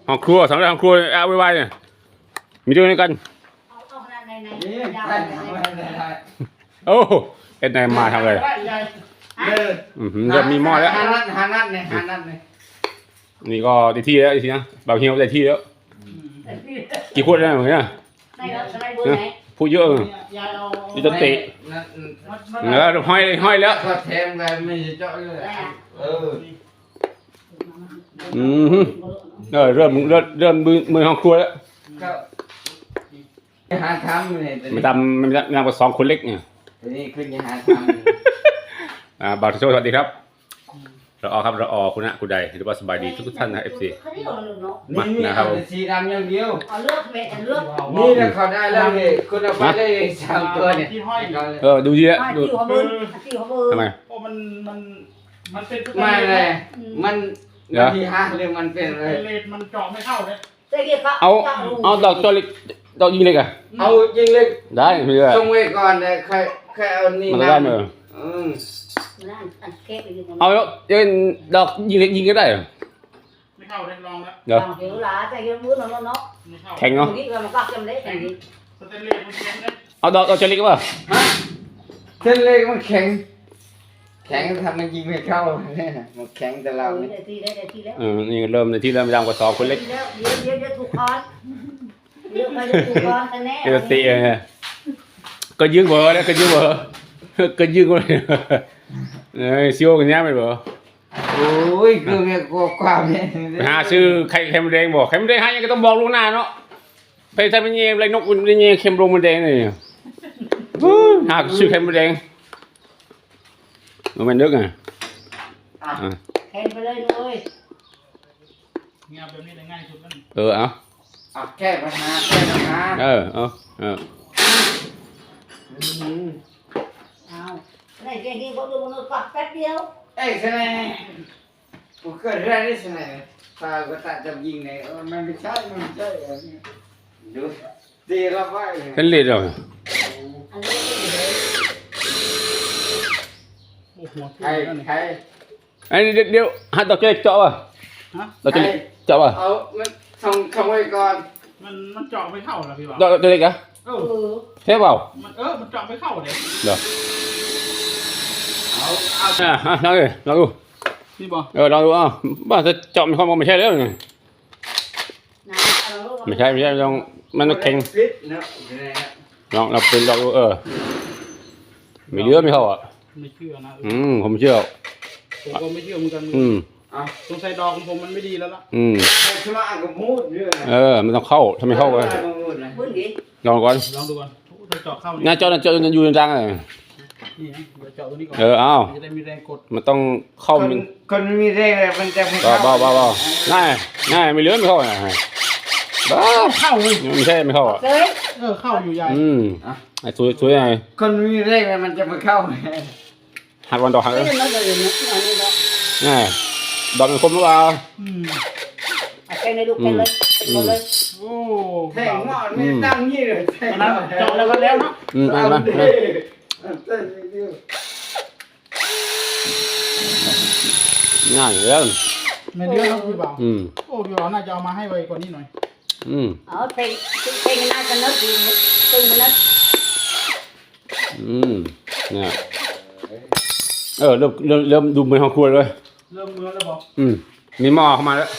ห้องครัวสำหรับห้องครัวเอาไว้เนี่ยมีด้วยกันโอ้เอ็ดนายมาทำอะไรเริ่มมีหม้อแล้วหานัดเนี่ยนี่ก็ได้ที่แล้วทีนะบ่าวเฮียวได้ที่แล้วกี่ขวดแล้วเนี่ยพูดเยอะนี่จะเตะแล้วห้อยแล้วก็แทงไปไม่เจาะเลยเริ่มมือห้องครัวแล้วหาทำเลยไม่ทำกับสองคนเล็กเนี่ยนี่ขึ้นหาทำบ่าวโชว์สวัสดีครับเราออครับเราออคุณนะคุณใดหรือว่าสบายดีทุกท่านนะFC มานะครับสีดำอย่างเดียวเลือกเม็ดเลือกนี่นะเขาได้แล้วนี่คุณเอาไปได้3ตัวเนี่ยดูดีแล้วดูทำไมมันเป็นไม่เลยมันที่ห้าเรื่องมันเป็นเลยมันเจาะไม่เข้าเลยเอาดอกจอเล็กดอกยิงเล็กอะเอายิงเล็กได้ไม่ได้ส่งไว้ก่อนเลยใครเอานี่มันได้ไหมเอาเดี๋ยวดอกยิงเล็กยิงก็ได้ไม่เข้าเลยลองแล้วเดี๋ยวแข็งเนาะเอาดอกจอเล็กป่ะเส้นเล็กมันแข็งทำมันยิงไม่เข้าเนี่ยมันแข็งแต่เราเนี่ยนี่เริ่มในที่เริ่มไปดังกว่าสองคนเล็กเยอะถูกคอนเยอะไปถูกคอนแน่เออตีก็ยืงเบอร์แล้วก็ยืงเบอร์ก็ยืงเลยซิโอกันเนี้ยไม่เบอร์โอ้ยคือแบบความเนี่ยหาซื้อไข่มดแดงบอกไข่มดแดงหายังก็ต้องบอกลูกหน้าเนาะไปทำเป็นเงี้ยไรนกเป็นเงี้ยเค็มลงมดแดงเลยหาซื้อไข่มดแดงมันนึกเห็นไปเลยเลยเงี้ยแบบนี้ได้ง่ายสุดนั่นเอาแก้ปัญหา này cái gì có được nó cắt cách điêu cái nàyผมเกิดเรื่องนี้สิไหนตาก็ตัดจับยิงเนี่ยมันไม่ใช่ดูตีเราไว้ขึ้นเลยเหรอใครไอ้เดี๋ยวหัดดอกเล็กเจาะป่ะดอกเล็กเจาะป่ะเอาส่งไว้ก่อนมันเจาะไม่เข้าหรอพี่บ่าวดอกเล็กอะเท่เปล่ามันเจาะไม่เข้าเลยเดี๋ยวลองดูนี่บ่ลองดูบ้าจะเจาะมันเข้ามาไม่ใช่แล้วไงไม่ใช่ลองมันแข็งลองเราเป็นลองดูไม่เลือไม่เข้าอ่ะไม่เชื่อนะผมเชื่อผมก็ไม่เชื่อเหมือนกันสงสัยดอกของผมมันไม่ดีแล้วล่ะชุลากับมูดมันต้องเข้าถ้าไม่เข้าก็ลองก่อนลองดูก่อนเจาะเข้าน่าเจาะอยู่จังเลยนี่นะเจาะตัวนี้ก่อนอ้าวจะได้มีแรงกดมันต้องเข้าคนมีแรงมันจะไม่เข้าบ้าง่ายไม่เลือไม่เข้าไงบ้าเข้าเลยไม่ใช่ไม่เข้าอ่ะเข้าอยู่ใหญ่ไอ้สวยไงคนมีแรงมันจะไม่เข้าหักวันดอกหักเลยง่ายดอกมันคมหรือเปล่าแกงในลูกแกงเลยโอ้แทงหม้อไม่ตั้งยี่เลยเจาะแล้วก็แล้วเนาะง่ายเลยไม่เยอะครับพี่บ่าวโอ้พี่บ่าวน่าจะเอามาให้ไวกว่านี้หน่อยเพลงน่าจะนึกดีตึงมันนึกเนี่ยเริ่มดูเหมือนห้องครัวเลยเริ่มมือแล้วบอกมีหม้อเข้ามาแล้ว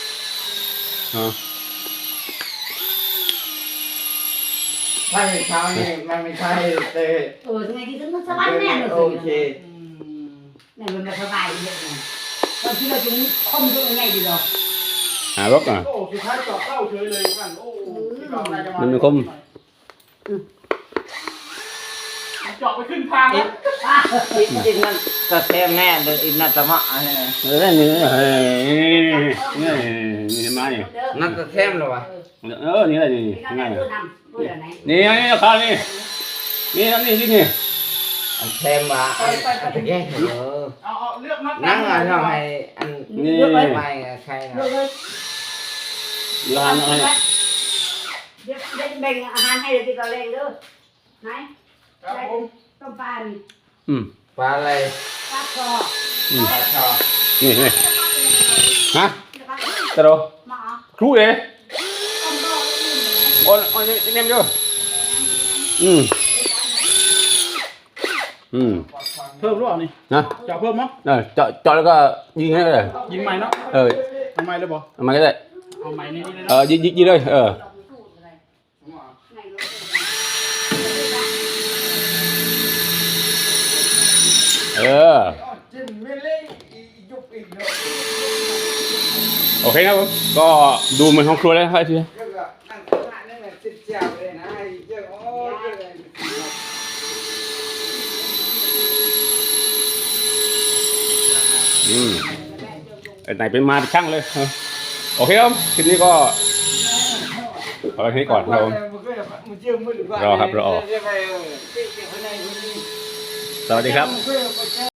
ถ้าไม่เช้านี่มันไม่ใช่แต่ทำไมที่มันสบายแน่เลยโอเคเนี่ยมันสบายเยอะเลยตอนที่เราจะคมยังไงดีหรอรถโอ้สุดท้ายเจาะเข้าเฉยเลยกันโอ้มันไม่คมเจาะไปขึ้นทางแล้วจริงนั่นกระเทียมแน่เลยอินนัตมะนี่มาเนี่ยนั่นกระเทียมหรอวะนี่อะไรนี่ง่ายนี่ข้าวนี่นี่เทมอ่ะแยกเหรอเอาเลือกนัดนั่งอ่ะเราให้อันนี้ไม่ใครนะเลือกให้เดี๋ยวแบ่งอาหารให้เดี๋ยวติดต่อแรงเด้อไหนต้มปลาปลาอะไรปลาคอปลาคอนี่ฮะตะโรครูเลยโอ้ยเนมเยอะอืมเพิ่มหรือเปล่านี่นะจะเพิ่มมั้งเจาะแล้วก็ยิงให้เลยยิงใหม่เนาะเออทำไมเลยบอกทำไมก็ได้เอาใหม่ในนี้เลยเอนะอยิงเลยจิ้มไม่เล่นยุบอีกเนาะโอเคครับผมก็ดูเหมือนห้องครัวแล้วครับทีก็นั่งข้างหน้านั่นแหละติดแจวเลยนะเจ้าโอ้ยเลยไหนเป็นมาเป็นช่างเลยโอเคครับทีนี้ก็เอาไปที่ก่อนครับผมรอครับรอสวัสดีครับ